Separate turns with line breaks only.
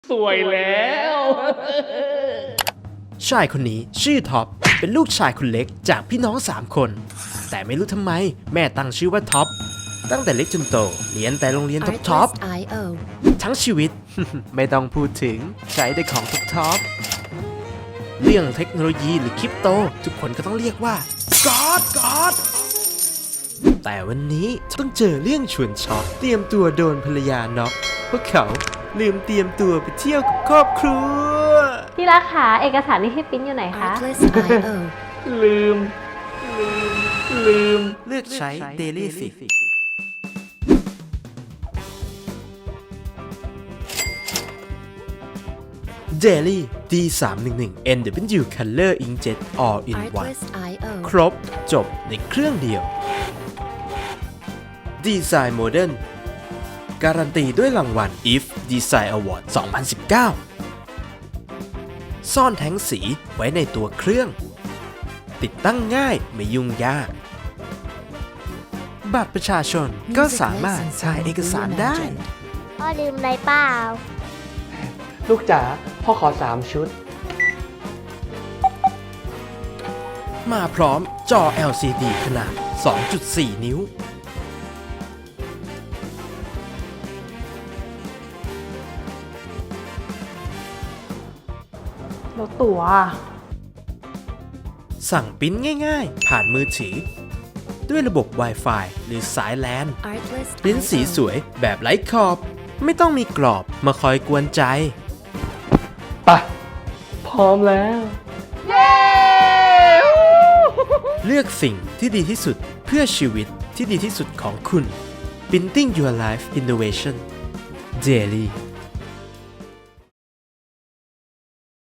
สวยแล้ว
ชายคนนี้ชื่อท็อปเป็นลูกชายคนเล็กจากพี่น้อง3 คน แต่ไม่รู้ทำไมแม่ตั้งชื่อว่าท็อปตั้งแต่เล็กจนโตเรียนแต่โรงเรียนท็อป
Artlist.io
ทั้งชีวิต ไม่ต้องพูดถึงใช้แต่ของท็อปเรื่องเทคโนโลยีหรือคริปโต ทุกคนก็ต้องเรียกว่าก๊อดแต่วันนี้ต้องเจอเรื่องชวนช็อกเตรียมตัวโดนภรรยาน็อกเพราะเขาลืมเตรียมตัวไปเที่ยวกับครอบครัว
ที่รักขาเอกสารที่พี่ปิ้นอยู่ไหนคะ
Artlist.io
ลืม
เลือกใช้ Daily Fix Daily D311 NW Color Inkjet All in One
Artlist.io
ครบจบในเครื่องเดียวดีไซน์โมเดิร์นการันตีด้วยรางวัล IF Design Award 2019 ซ่อนแท้งสีไว้ในตัวเครื่อง ติดตั้งง่ายไม่ยุ่งยาก บัตรประชาชนก็สามารถถ่ายเอกสารได้
พ่อลืมอะไรเปล่า
ลูกจ๋าพ่อขอ3 ชุด
มาพร้อมจอ LCD ขนาด 2.4 นิ้ว
แล้วตั๋ว
สั่งปริ้นง่ายๆ ผ่านมือถือ ด้วยระบบ Wi-Fi หรือสาย LAN ปริ้นสีส
Artlist.io
วยแบบไร้ขอบ ไม่ต้องมีกรอบมาคอยกวนใจ
ไป พร้อมแล้ว
เลือกสิ่งที่ดีที่สุดเพื่อชีวิตที่ดีที่สุดของคุณ Printing Your Life Innovation Daily